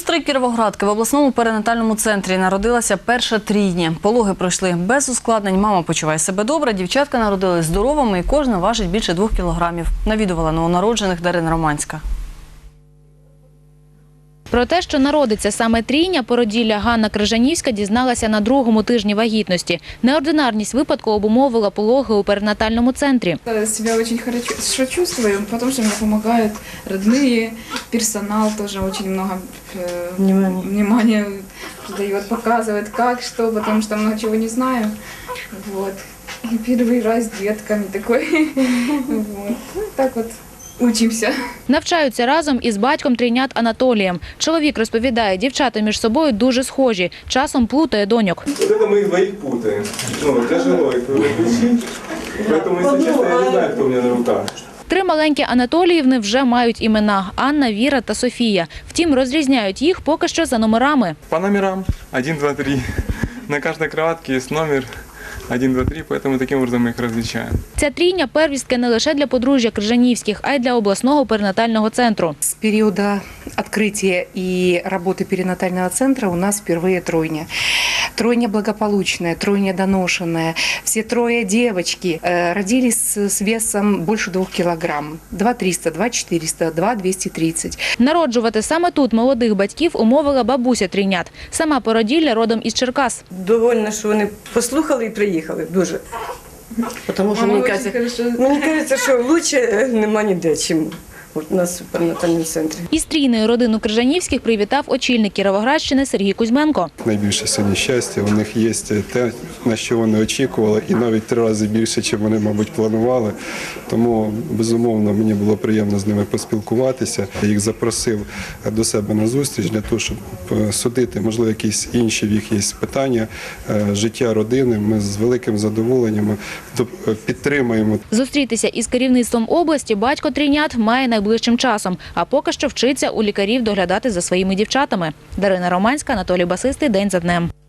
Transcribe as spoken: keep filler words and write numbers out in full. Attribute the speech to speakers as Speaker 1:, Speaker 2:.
Speaker 1: сестри Кіровоградки в обласному перинатальному центрі народилася перша трійня. Пологи пройшли без ускладнень, мама почуває себе добре, дівчатка народились здоровими і кожна важить більше двох кілограмів. Навідувала новонароджених Дарина Романська.
Speaker 2: Про те, що народиться саме трійня, породілля Ганна Крижанівська дізналася на другому тижні вагітності. Неординарність випадку обумовила пологи у перинатальному центрі.
Speaker 3: Я себя очень хорошо чувствую, потому что мне помогают родные, персонал тоже очень много э, внимания. внимания дает, показывает, как, что, потому что много чего не знаю. Вот. И первый раз с детками такой. Вот. Ну, так вот. Учимося.
Speaker 2: Навчаються разом із батьком трійнят Анатолієм. Чоловік розповідає, дівчата між собою дуже схожі. Часом плутає доньок.
Speaker 4: Вот это мы их двоих путаем. Ну, тяжело их различить. Поэтому, если честно, я не знаю, кто у меня на руках.
Speaker 2: Три маленькі Анатоліївни вже мають імена – Анна, Віра та Софія. Втім, розрізняють їх поки що за номерами.
Speaker 4: По номерам один, два, три. На каждой кроватке есть номер один, два, три, поэтому таким образом мы их различаем.
Speaker 2: Ця трійня – первістки не лише для подружжя Крижанівських, а й для обласного перинатального центру.
Speaker 5: С периода открытия и работы перинатального центра у нас впервые тройня. Тройня благополучная, тройня доношенная. Все трое девочки э, родились с весом больше двух килограмм. два триста, два четыреста, два двести тридцать.
Speaker 2: Народжувати саме тут молодих батьків умовила бабуся трійнят. Сама породілля родом із Черкас.
Speaker 6: Довольна, що вони послухали і приїхали. Дуже. Тому що мені кажеться, мені кажеться, що краще нема ніде, чим у нас в перинатальному центрі.
Speaker 2: Із трійною родину Крижанівських привітав очільник Кіровоградщини Сергій Кузьменко.
Speaker 7: Найбільше сьогодні щастя, у них є те, на що вони очікували, і навіть три рази більше, ніж вони, мабуть, планували. Тому, безумовно, мені було приємно з ними поспілкуватися. Я їх запросив до себе на зустріч для того, щоб судити, можливо, якісь інші в їх є питання, життя родини. Ми з великим задоволенням підтримуємо.
Speaker 2: Зустрітися із керівництвом області батько трійнят має найближчим часом, а поки що вчиться у лікарів доглядати за своїми дівчатами. Дарина Романська, Анатолій Басистий. День за днем.